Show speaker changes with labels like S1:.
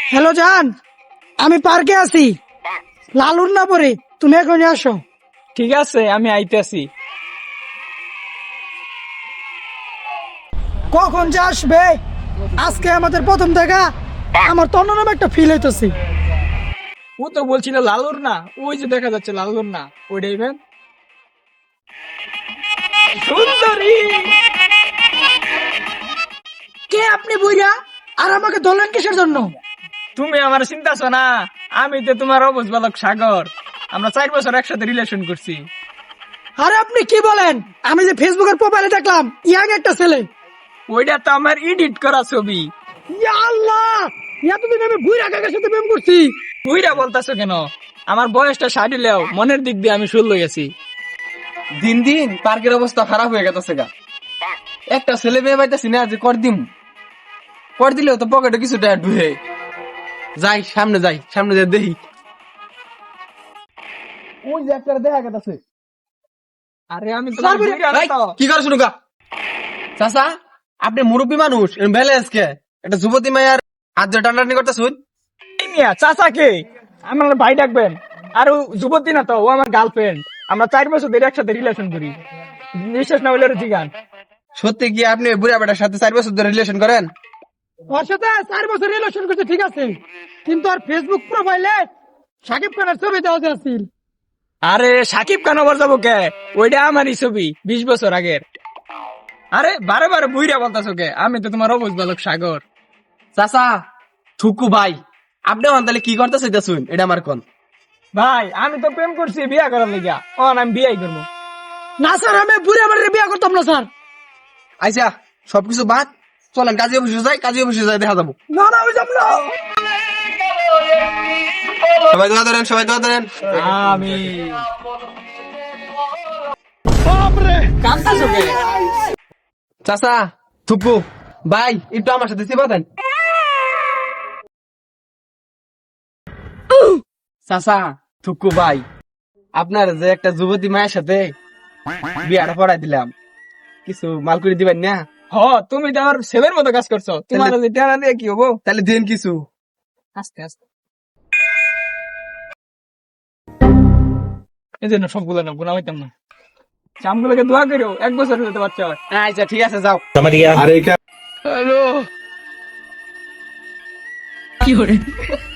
S1: Hello জান, আমি পার্কে আছি, লালুর না পরে তুমি এখনই আসো।
S2: ঠিক আছে, আমি আইতেছি।
S1: কখন যে আসবে? আজকে আমাদের প্রথম দেখা, আমার তো অন্যরকম একটা ফিল হইতেছি।
S2: ও তো বলছিল লালুর না, ওই যে দেখা যাচ্ছে লালুর না, ওইটাই ভেন সুন্দরী।
S1: কে আপনি বুইরা? আর আমাকে ধরলেন কিসের জন্য?
S2: তুমি আমার চিন্তাছ না, আমি তো তোমার অবুঝ বালক সাগর। আমরা 4 বছর একসাথে রিলেশন করছি।
S1: আরে আপনি কি বলেন? আমি যে ফেসবুকের প্রোফাইলে দেখলাম ইয়াং একটা ছেলে।
S2: ওইটা তো আমার এডিট করা ছবি।
S1: ইয়া আল্লাহ, এতদিন আমি বুইরা কাকার সাথে প্রেম করছি।
S2: ওইটা বলতাছো কেন? আমার বয়সটা সারিলেও মনের দিক দিয়ে আমি 16 গেছি।
S3: দিন দিন পার্কের অবস্থা খারাপ হয়ে গেছে গা। একটা ছেলে মেয়ে পাইতেছি না যে কর দিম, কর দিলেও তো পকেটে কিছু টাকা ঢুকে যাই, সামনে যাই দেখি। ওই যে একটা দেখা গেছে।
S2: আরে আমি তোমার বুইড়া না তো।
S3: কি করে শুনুকা চাচা, আপনি মুরব্বী মানুষ, ব্যালেন্স কে একটা যুবতী মায়ের হাত ধরে টানাটানি করতেছুন।
S2: এই মিয়া চাচাকে আমার ভাই ডাকবেন। আর ও যুবতী না তো, ও আমার গার্লফ্রেন্ড। আমরা 4 বছর ধরে একসাথে রিলেশন করি। বিশ্বাস না হলে জিগান।
S3: সত্যি কি আপনি বুড়া বেটার সাথে 4 বছর ধরে রিলেশন করেন?
S1: ওর সাথে 4 বছর রিলেশন করতে ঠিক আছে, কিন্তু আর ফেসবুক প্রোফাইলে সাকিব খানের ছবি দেওয়া আছিল।
S2: আরে সাকিব খান আবার যাবো কে? ওইটা আমারই ছবি 20 বছর আগের। আরে বারে বারে বুইরা বলতাছো কে? আমি তো তোমার অবুঝ বালক সাগর।
S3: চাচা থুকু ভাই, আপনি তাহলে কি করতে চাইতেছুন এটা আমার কোন?
S2: ভাই আমি তো প্রেম করছি বিয়া করার লিগা, আমি বিয়াই করবো।
S1: না স্যার, আমি বুড়া বাড়ির বিয়ে করতাম না স্যার।
S3: আচ্ছা সবকিছু বাদ, চলেন কাজী অফিসে যাই দেখা যাবো।
S1: না না, আমি যাব না।
S3: সবাই দোয়া ধরেন।
S2: আমি বাপরে কান্দাছো কে?
S3: চাচা থুকু ভাই, একটু আমার সাথে চিপা দেন। চাচা থুকু ভাই, আপনার যে একটা যুবতী মায়ের সাথে বিয়াটা পড়াই দিলাম, কিছু মাল করে দিবেন না?
S2: হ, তুমি তো আমার ছেলের মতো কাজ করছো। তোমার
S3: তাহলে-
S2: টানা দিয়ে কি হবো?
S3: তাহলে দেন কিছু।
S2: আস্তে আস্তে এই জন্য সবগুলো না গুণা হইতাম না। চামগুলোকে দোয়া করো, 1 বছর হতে বাচ্চা হয়।
S3: আচ্ছা ঠিক আছে যাও।
S2: হ্যালো।